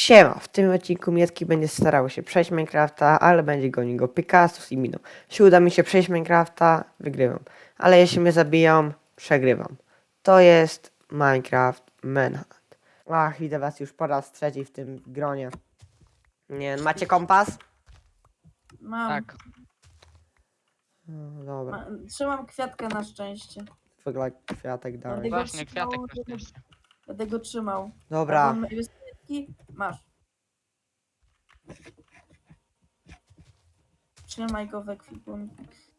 Siema, w tym odcinku Miecki będzie starały się przejść Minecrafta, ale będzie gonił go Picasso i Miną. Jeśli uda mi się przejść Minecrafta, wygrywam. Ale jeśli mnie zabiją, przegrywam. To jest Minecraft Manhunt. Ach, widzę was już po raz trzeci w tym gronie. Nie, macie kompas? Mam. Tak, No, dobra, Trzymam kwiatka na szczęście. wygląda kwiatek dalej. Będę go właśnie trzymał, kwiatek na szczęście. Będę go trzymał. Dobra, A mam kwiatki? Masz. Trzymaj go w ekwipunku.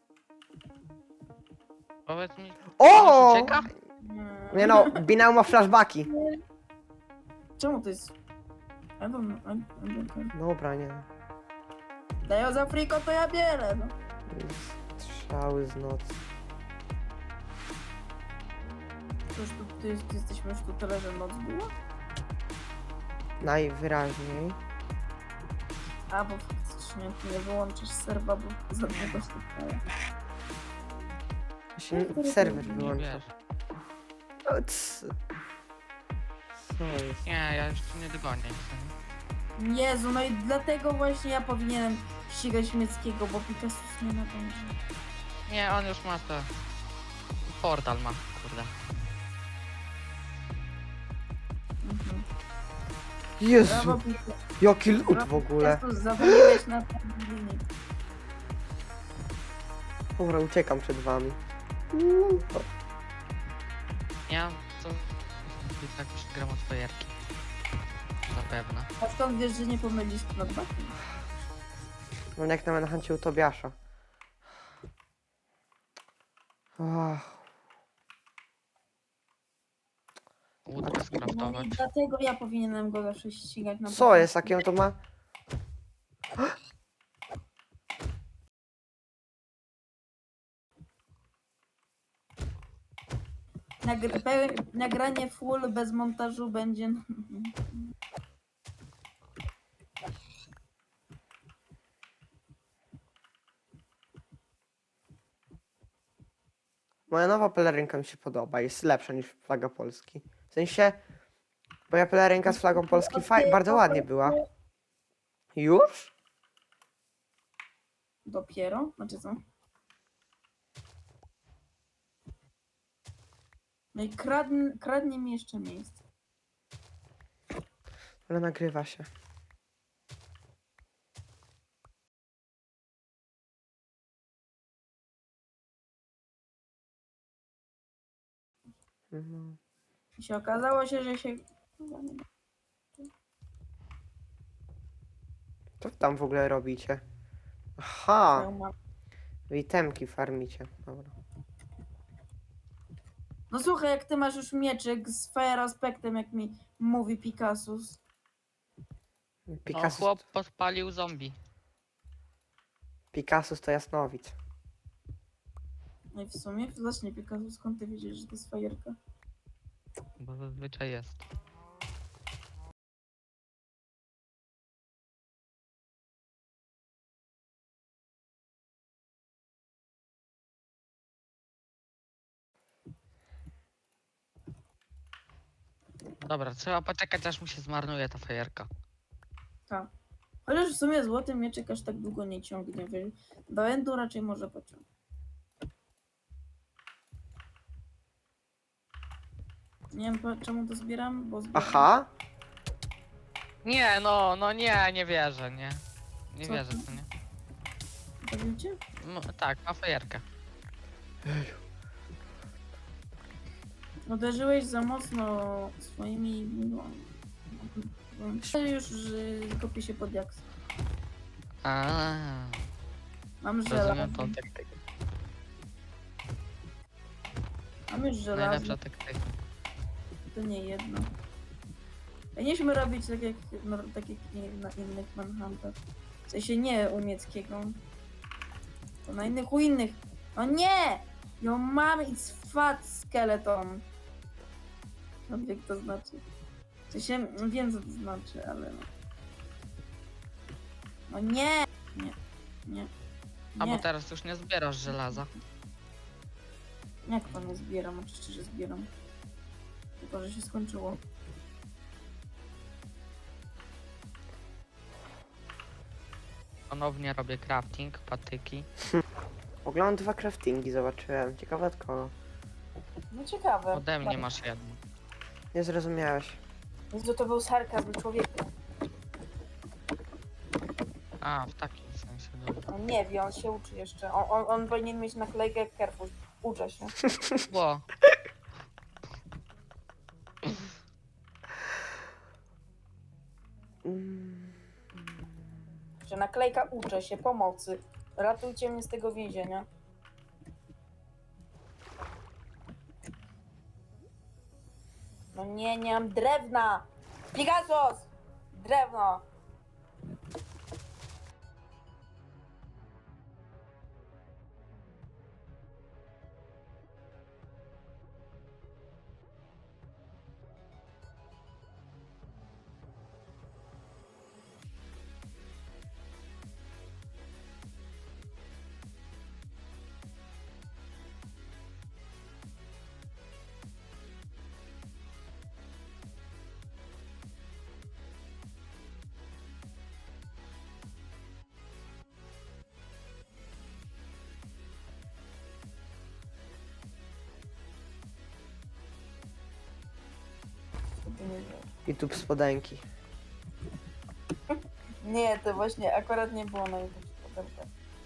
Powiedz mi, O! on ucieka? Nie no, Binał ma flashbacki. Czemu to jest... Dobra, nie. Daję za friko, to ja bierę. No. Strzały z nocy. Ty jesteśmy już tu tyle, że noc była? Najwyraźniej. A, bo faktycznie ty nie wyłączysz serwa, bo za długo stukają. Się serwer Nie wyłącza. wiesz. O, cs. Co jest? Nie, ja jeszcze nie dogonię. Jezu, no i dlatego właśnie ja powinienem ścigać Mieckiego, bo Picasso nie nadąży. Nie, on już ma to. Portal ma, kurde. Mhm. Jezu, Brawo, Picasso. jaki lód w ogóle. Zawaliłeś na ten limit. Dobra, uciekam przed wami. Ja to... I tak gram od fajerki. Zapewne. A skąd wiesz, że nie pomylisz nadbakiem? No jak na Manhuncie u Tobiasza. Ach, Łódkę skraftować. Dlatego ja powinienem go zawsze ścigać na co jest? Jakie on to ma? Nagranie full bez montażu będzie... Moja nowa pelerynka mi się podoba. Jest lepsza niż flaga Polski. W sensie, moja pelerynka z flagą Polski bardzo ładnie była. Już? Dopiero? Znaczy co? No i kradnie mi jeszcze miejsce. Ale nagrywa się. Mhm. I się okazało że się... Co wy tam w ogóle robicie? Aha, Twoją mamę. wy itemki farmicie. Dobra. No słuchaj, jak ty masz już mieczyk z fire aspektem, jak mi mówi Picassus. No, Picasso, chłop podpalił zombie. Picassus to jasnowic. No i w sumie, właśnie Picassus, skąd ty wiedziesz, że to jest fajerka? Bo zazwyczaj jest. Dobra, trzeba poczekać aż mu się zmarnuje ta fajerka. Tak. Chociaż w sumie złoty mieczyk aż tak długo nie ciągnie, wiesz? Do endu raczej może pociągnąć. Nie wiem czemu to zbieram, bo zbieram. Aha, Nie, no nie, nie wierzę, nie. Nie Co wierzę, ty? co nie. To widzicie? Tak, ma fajerkę. Uderzyłeś za mocno swoimi... No, już kopię się pod jaks. Mam żelazo. Rozumiem tą taktykę. Mam już żelazo. Najlepsza taktyka. To nie jedno. Powinniśmy robić tak jak na innych Manhuntach. W sensie nie u Mieckiego. To na innych u innych. O nie! Yo mam it's fat skeleton. No wie co to znaczy. W sensie wiem co to znaczy, ale no. No nie! Nie. Nie. A bo Nie. teraz już nie zbierasz żelaza. Jak to nie zbieram? Oczywiście, że zbieram. Tylko, że się skończyło. Ponownie robię crafting, patyki. Oglądam 2 craftingi, zobaczyłem. Ciekawe od kogo. No ciekawe. Ode mnie masz jedno. Nie zrozumiałeś. Jezu, to był sarkazm człowieka. A, w takim sensie, dobra. On nie wie, on się uczy jeszcze. On powinien mieć naklejkę jak Carrefour. Uczę się. Ło, Mm, Że naklejka uczę się, pomocy. Ratujcie mnie z tego więzienia. No nie mam drewna! Pegasus! Drewno! YouTube spodenki. Nie, to właśnie akurat nie było na YouTube spodenka.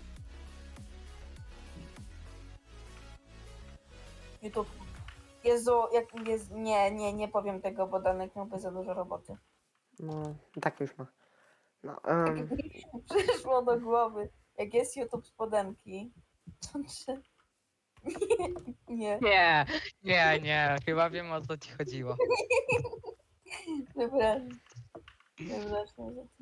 YouTube. Jezu, jak jest. Nie powiem tego, bo Danek miałby za dużo roboty. No, tak już ma. No, Przyszło do głowy, jak jest YouTube spodenki, to czy... Nie, nie, chyba wiem o co ci chodziło. przepraszam. Przepraszam za to.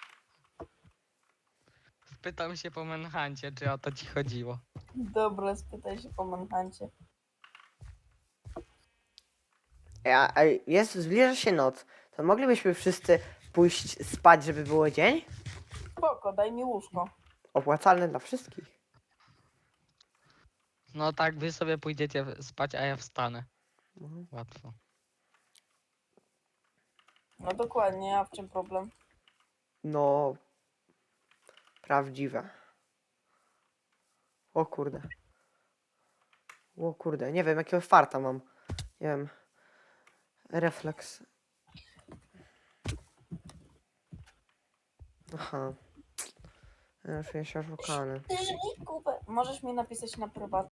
Spytam się po Manhuncie, czy o to ci chodziło. Dobra, spytaj się po Manhuncie. zbliża się noc. To moglibyśmy wszyscy pójść spać, żeby było dzień? Spoko, daj mi łóżko. Opłacalne dla wszystkich. No tak, wy sobie pójdziecie spać, a ja wstanę. Mhm. Łatwo. No dokładnie, a w czym problem? No, prawdziwe. O kurde. O kurde, nie wiem jakiego farta mam. Nie wiem. Refleks. Aha. Ja czuję się oszukany. Ty mi kupę. Możesz mi napisać na prywatnie.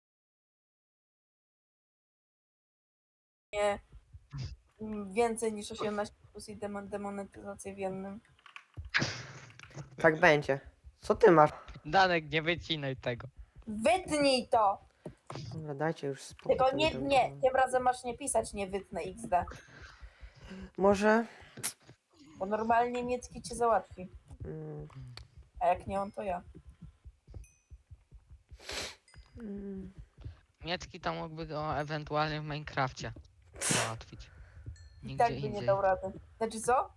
Więcej niż 18 plus i demonetyzację w jednym. Tak będzie. Co ty masz? Danek, nie wycinaj tego. Wytnij to! Dobra, dajcie już spokój. Tylko nie, tym razem masz nie pisać nie wytnę XD. Może... Bo normalnie Miecki cię załatwi. Mm, A jak nie on, to ja. mm, Miecki to mógłby go ewentualnie w Minecrafcie załatwić. I Nigdzie tak by nie indziej. dał rady. Znaczy co?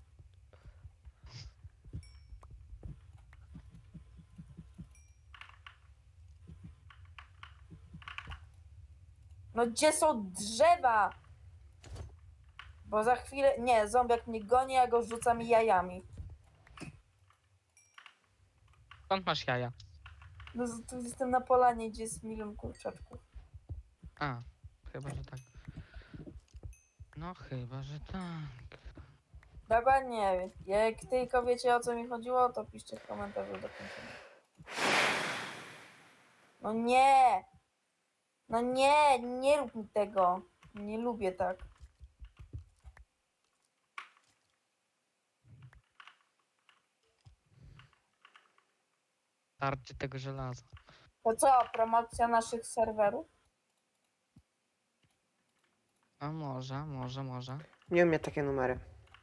No gdzie są drzewa? Bo za chwilę... Nie, zombiak mnie goni, a go rzucam jajami. Skąd masz jaja? No tu jestem na polanie, gdzie jest milion kurczaczków. A, chyba, że tak. No chyba, że tak. Dokładnie. Jak tylko wiecie o co mi chodziło, to piszcie w komentarzu do końca. No nie! No nie! Nie rób mi tego. Nie lubię tak. Starczy tego żelaza. To co? Promocja naszych serwerów? A może. nie umiem takie numery.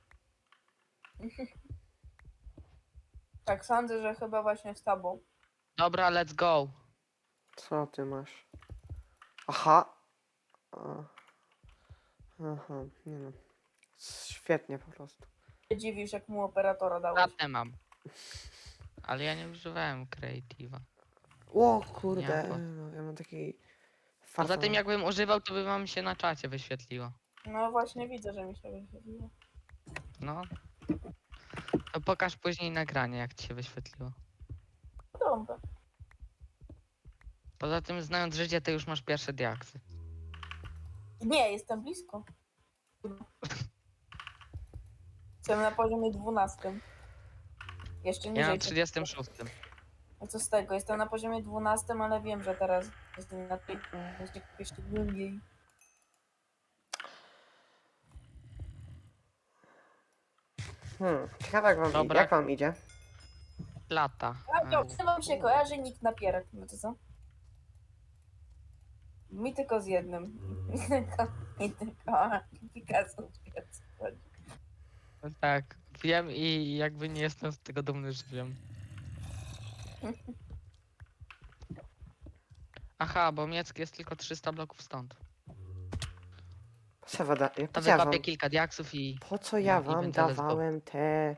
Tak sądzę, że chyba właśnie z tobą. Dobra, let's go. Co ty masz? Aha. A. Aha, nie no. Świetnie po prostu. Się dziwisz, jak mu operatora dałeś. Latę mam. Ale ja nie używałem creative'a. O kurde, Nie, bo- no, ja mam taki Poza tym farta. jakbym używał, to by wam się na czacie wyświetliło. No właśnie widzę, że mi się wyświetliło. No. To pokaż później nagranie, jak ci się wyświetliło. Poza tym, znając życie, ty już masz pierwsze diaksy. Nie, jestem blisko. Jestem na poziomie 12. Jeszcze Ja niżej. na 36. A co z tego? Jestem na poziomie 12, ale wiem, że teraz jestem na tej jeszcze głębiej. Ciekawe jak wam, Dobra. jak wam idzie. Lata. A to, czy wam się kojarzy nikt napierak? No to co? Mi tylko z jednym. Mi tylko Picasso. Tak, wiem i jakby nie jestem z tego dumny, że wiem. Aha, bo Miecki jest tylko 300 bloków stąd. Co woda, To po co ja wam, wykopię kilka diaksów i... po co ja i wam będzie let's go. dawałem te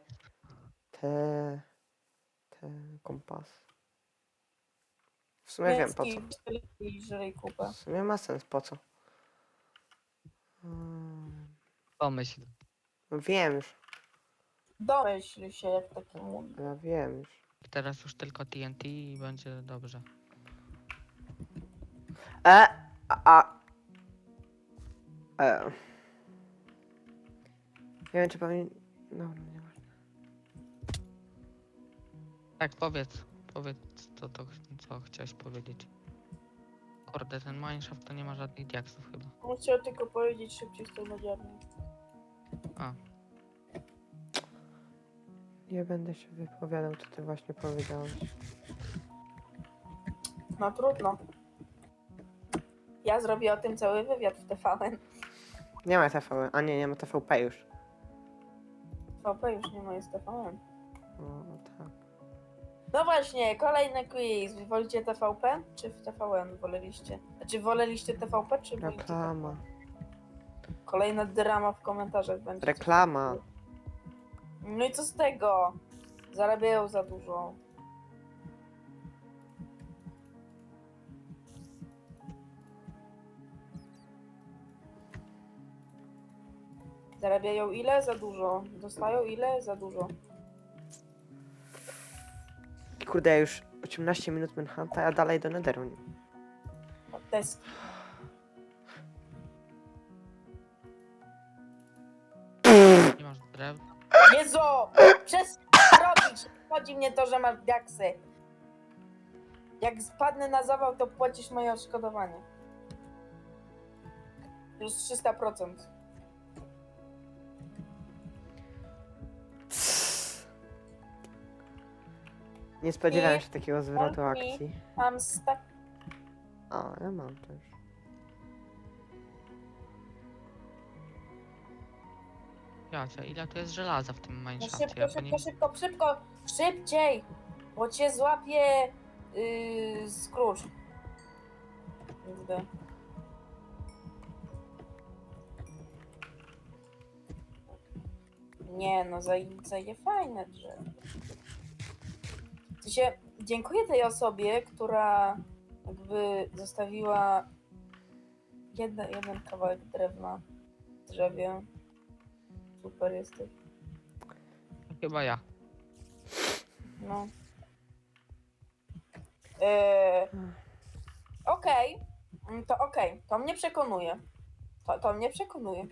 kompas? W sumie wiem po co. Żrej kupę. W sumie ma sens po co. Hmm, Pomyśl. no wiem już, Domyśl się, jak taki mówi. ja wiem już. Teraz już tylko TNT i będzie dobrze. E, e. Nie wiem czy powinien... No, nie ma. Tak, powiedz. Powiedz co chciałeś powiedzieć. Kurde, ten mineshaft to nie ma żadnych diaksów chyba. Chciał tylko powiedzieć szybciej z tą nadziarnią. A, Nie będę się wypowiadał, co ty właśnie powiedziałeś. No trudno. Ja zrobię o tym cały wywiad w TVN. Nie ma TV, a nie ma TVP już. TVP już nie ma, jest TVN. No tak. No właśnie, kolejny quiz. Wy wolicie TVP czy w TVN woleliście? Znaczy woleliście TVP czy wolicie Reklama. TVN? Kolejna drama w komentarzach będzie. Reklama. No i co z tego? Zarabiają za dużo. Zarabiają ile? Za dużo. Dostają ile? Za dużo. Kurde, ja już 18 minut Manhunta, a dalej do Netheru. Deski. nie masz drew. Jezu! Przestań robić! Chodzi mnie to, że masz diaksy. Jak spadnę na zawał, to płacisz moje odszkodowanie. Plus 300%. Nie spodziewałem I- się takiego zwrotu i- akcji. Mam stak. O, ja mam też. Jacie, ile tu jest żelaza w tym No mineshafcie? szybko, Ja po nim... szybko! Szybciej! Bo cię złapie Scrooge. Kurde. Nie no, zaje fajne drzewo. W sensie, dziękuję tej osobie, która jakby zostawiła jeden kawałek drewna w drzewie. Super jesteś. Chyba ja. No. Okej. Okej. To mnie przekonuje. To mnie przekonuje.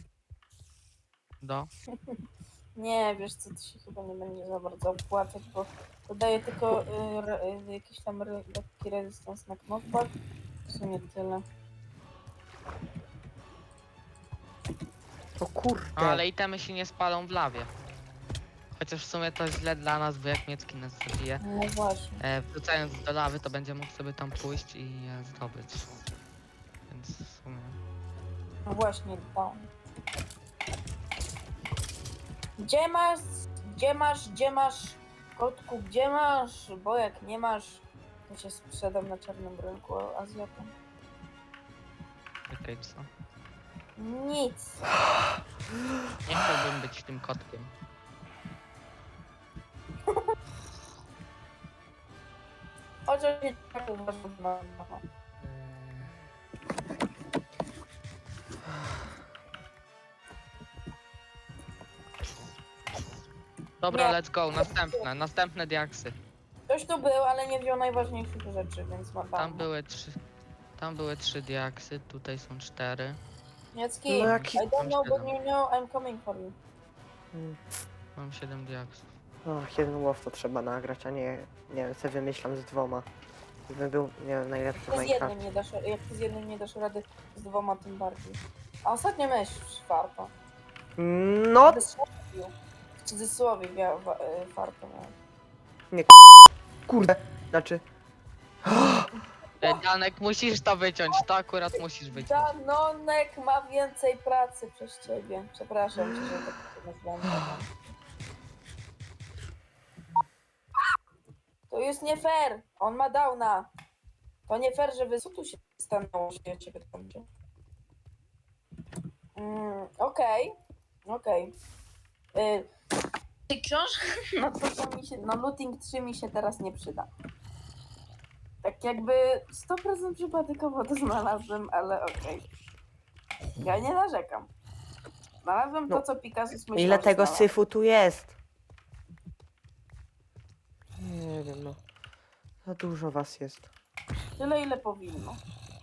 Nie, wiesz co, to się chyba nie będzie za bardzo opłacać, bo to daje tylko jakiś tam lekki rezystans na knockback. W sumie tyle. O kurde. No, ale itemy się nie spalą w lawie. Chociaż w sumie to źle dla nas, bo jak Miecki nas zabije, No właśnie. wrzucając do lawy, to będzie mógł sobie tam pójść i je zdobyć. Więc w sumie... No właśnie, to. Gdzie masz? Kotku, gdzie masz? Bo jak nie masz, to się sprzedam na czarnym rynku Azjatom. Czekaj, co? Nic. Nie chciałbym być tym kotkiem. Chociaż nie tak uważam. Dobra, Nie. let's go, następne diaksy. Ktoś tu był, ale nie wziął najważniejszych rzeczy, więc ma Tam były 3 diaksy, tutaj są 4. Niecki, No jaki- I don't know, but you know I'm coming for you. Mm. Mam 7 diaksów. No, jeden łow to trzeba nagrać, a nie wiem, co wymyślam z 2. Gdybym był, nie wiem, najlepszy w To z Minecraft. jednym nie dasz, jak ty z jednym nie dasz rady, z 2 tym bardziej. A ostatnio miałeś farta. No, W cudzysłowie farta miałeś. kurde, znaczy... Danek, musisz to wyciąć, to akurat musisz wyciąć. Danonek ma więcej pracy przez ciebie. Przepraszam cię, że tak to nazwałem. To jest nie fair. On ma downa. To nie fair, że wy... Co tu się stanęło, że ja ciebie tam gdzie? Okej. Okej. Ty książka? No to co mi się... No looting 3 mi się teraz nie przyda. Tak jakby 100% przypadkowo to znalazłem, ale okej. Ja nie narzekam. Znalazłem No, to, co Picasso myślał, ile że tego znalazł. syfu tu jest? Nie wiem, no. Za dużo was jest. Tyle, ile powinno.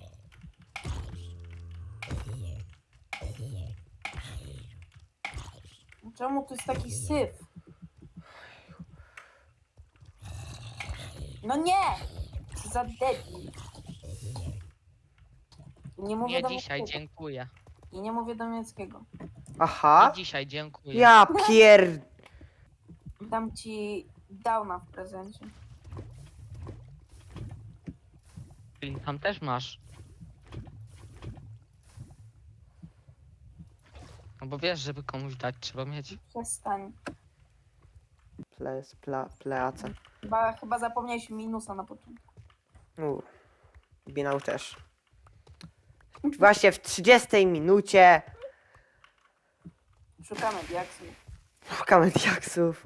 Czemu tu jest taki syf? No nie! Co za debil. I nie mówię Nie do dzisiaj, niemieckiego. dziękuję. I nie mówię do niemieckiego. Aha, Nie dzisiaj, dziękuję. ja Dam ci downa w prezencie. Czyli tam też masz. No bo wiesz, żeby komuś dać, trzeba mieć. Przestań. Pleace. Chyba zapomniałeś minusa na początku. Binał też. Właśnie w 30 minucie Szukamy diaksów. szukamy diaksów.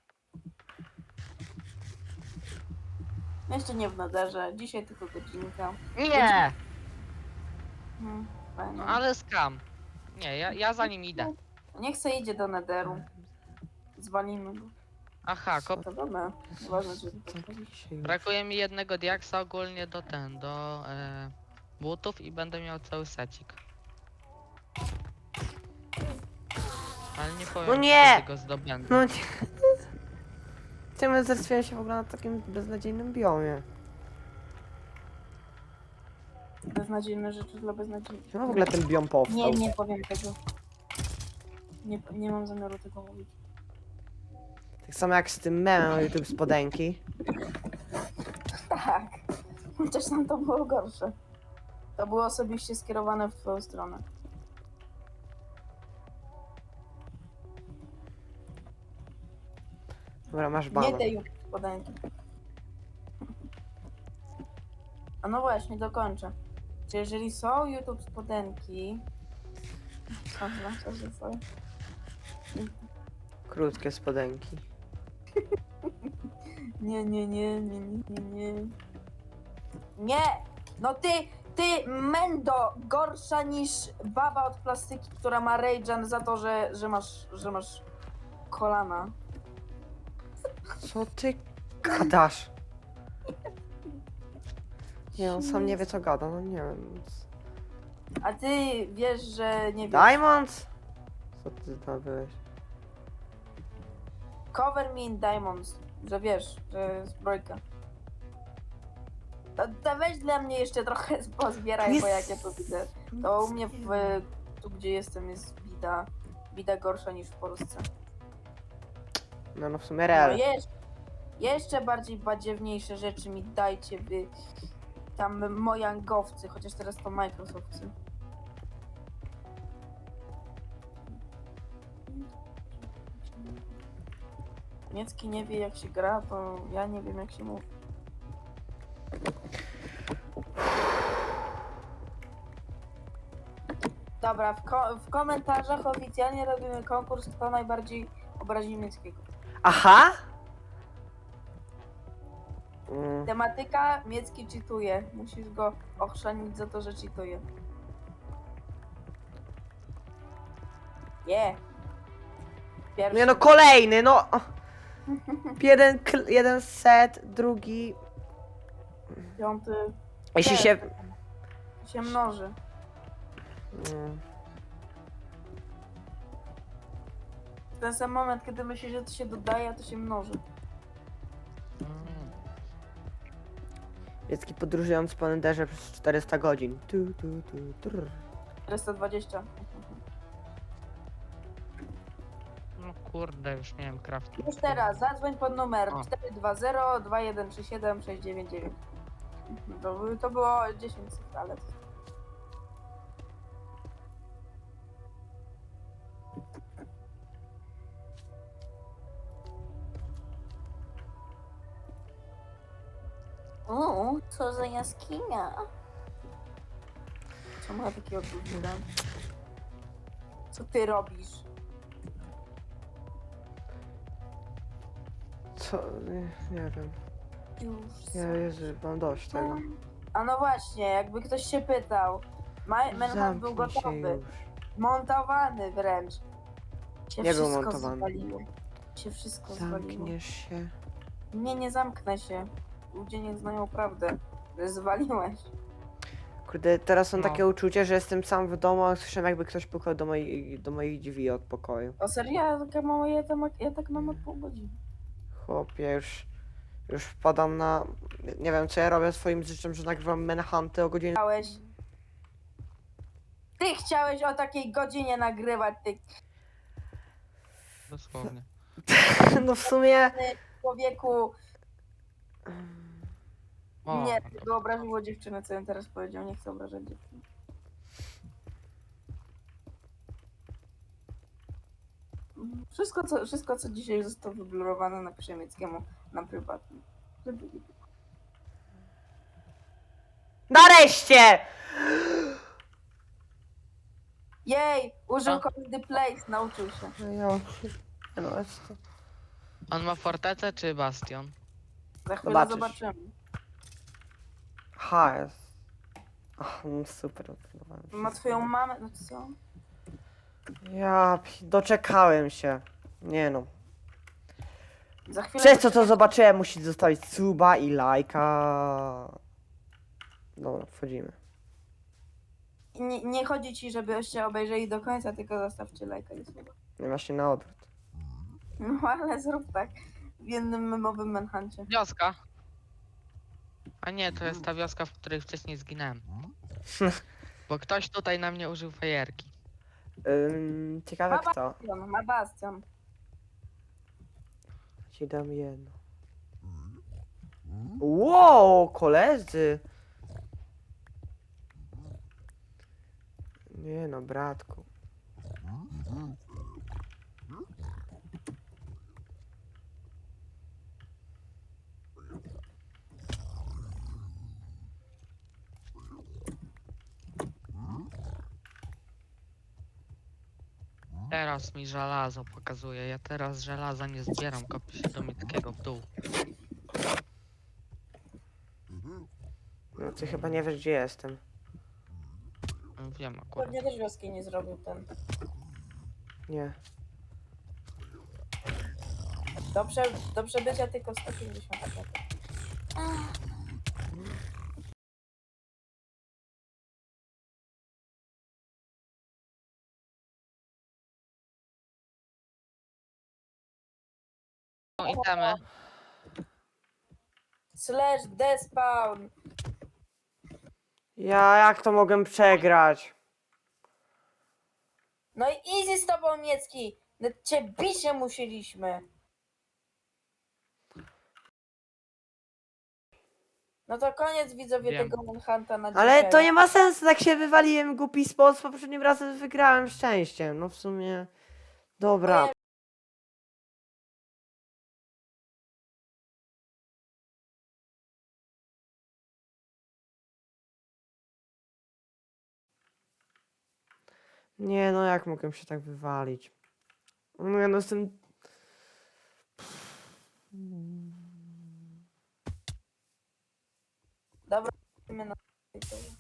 Jeszcze nie w nadarze. Dzisiaj tylko godzinka. Nie! Fajnie. No ale skam. Nie, ja za nim idę. Niech se idzie do nederu. Zwalimy go. Aha, To dobra. Ważne, że brakuje mi jednego diaksa ogólnie do butów i będę miał cały secik. Ale nie powiem, No nie! kiedy go zdobędę. No nie. Czemu zastanawiam się w ogóle na takim beznadziejnym biomie? beznadziejne rzeczy dla beznadziejnych. Czemu w ogóle ten biom powstał? Nie powiem tego. Nie mam zamiaru tego mówić. Tak samo jak z tym memem na YouTube spodenki. Tak. Chociaż tam to było gorsze. To było osobiście skierowane w twoją stronę. Dobra, masz Nie bana. tej podanki. A no właśnie, dokończę. Czy jeżeli są YouTube spodenki... Co za swoje? Krótkie spodenki. Nie. Nie! No ty mendo, gorsza niż baba od plastyki, która ma rage'an za to, że masz kolana. Co ty gadasz? Nie, on sam nie wie co gada, no nie wiem. A ty wiesz, że nie wiesz. Diamonds? Co ty zdobyłeś? Cover me in diamonds, że wiesz, że zbrojka. To weź dla mnie jeszcze trochę pozbieraj, bo jak ja to widzę. To u mnie tu gdzie jestem jest bida gorsza niż w Polsce. No w sumie No real. jeszcze bardziej badziewniejsze rzeczy mi dajcie wy tam mojangowcy, chociaż teraz to Microsoftcy. Niemiecki nie wie jak się gra, to ja nie wiem jak się mówi. Dobra, w komentarzach oficjalnie robimy konkurs, kto najbardziej obrazi niemieckiego. Aha! Tematyka, Miecki cheatuje. Musisz go ochrzanić za to, że cheatuje. Pierwszy. Nie no, kolejny, no! Jeden set, drugi... Piąty. Jeśli Też, się... się mnoży. Mm, W ten sam moment, kiedy myślisz, że to się dodaje, a to się mnoży. Mm. Dziecki podróżując po Enderze przez 400 godzin. Trrr. 420. No kurde, już miałem crafting. Już teraz, zadzwoń pod numer O. 420-2137-699. To było 10 sekund, ale... Co za jaskinia? Co ma takiego dużyra? Co ty robisz? Co? Nie wiem. Już. Jezu, mam dość tego. A no właśnie, jakby ktoś się pytał. Manhunt był Zamknij się gotowy. już. Montowany wręcz. Się Nie był wszystko montowany. zwaliło. Się wszystko zwaliło. Zamkniesz się. Nie zamknę się. Ludzie nie znają prawdę. Że zwaliłeś. Kurde, teraz mam No. takie uczucie, że jestem sam w domu, a słyszę jakby ktoś pukał do moich drzwi od pokoju. O serio? Ja tak mam od pół godziny. Chłopie, już wpadam na... Nie wiem, co ja robię swoim życiem, że nagrywam Manhunty o godzinie... Ty chciałeś o takiej godzinie nagrywać, ty Dosłownie. No w sumie... człowieku. O, Nie, no to- to obraziło dziewczynę, co ja teraz powiedział. Nie chcę obrażać dziewczyny. Wszystko, co dzisiaj zostało wyblurowane, napiszę Mieckiemu na prywatnym. Żeby nie było. Nareszcie! Jej! Użył A? Cold Place, nauczył się. No ja... No, jest to... On ma fortecę czy bastion? Za chwilę Zobaczysz. zobaczymy. Ha, jest... Ach, no super. odbudowałem Ma wszystko. twoją mamę, no co? Doczekałem się. Nie no. Za chwilę... Przez to, co zobaczyłem, musisz zostawić suba i lajka. Dobra, wchodzimy. Nie chodzi ci, żebyście obejrzeli do końca, tylko zostawcie lajka i słowa. No właśnie na odwrót. No ale zrób tak. W jednym memowym Manhuncie. Wioska. A nie, to jest ta wioska, w której wcześniej zginąłem. Bo ktoś tutaj na mnie użył fajerki. Ciekawe Ma kto. bastion, ma bastion. Ci dam jedno. Wow, koledzy. Nie no, bratku. Teraz mi żelazo pokazuje. Ja teraz żelaza nie zbieram, kopię się do Mieckiego w dół. No ty chyba nie wiesz, gdzie jestem. Wiem akurat. Pewnie też wioski nie zrobił ten. Nie. Do przebycia tylko 150 metrów. No itemy. Slash despawn. Jak to mogłem przegrać? No i easy z tobą, Miecki. No cię bicie musieliśmy. No to koniec widzowie Wiem. tego Manhunta na dzisiaj. Ale to nie ma sensu, tak się wywaliłem w głupi sposób, poprzednim razem wygrałem szczęściem. No w sumie... Dobra. Nie no, jak mogłem się tak wywalić? No ja no jestem... Dobra, idziemy na...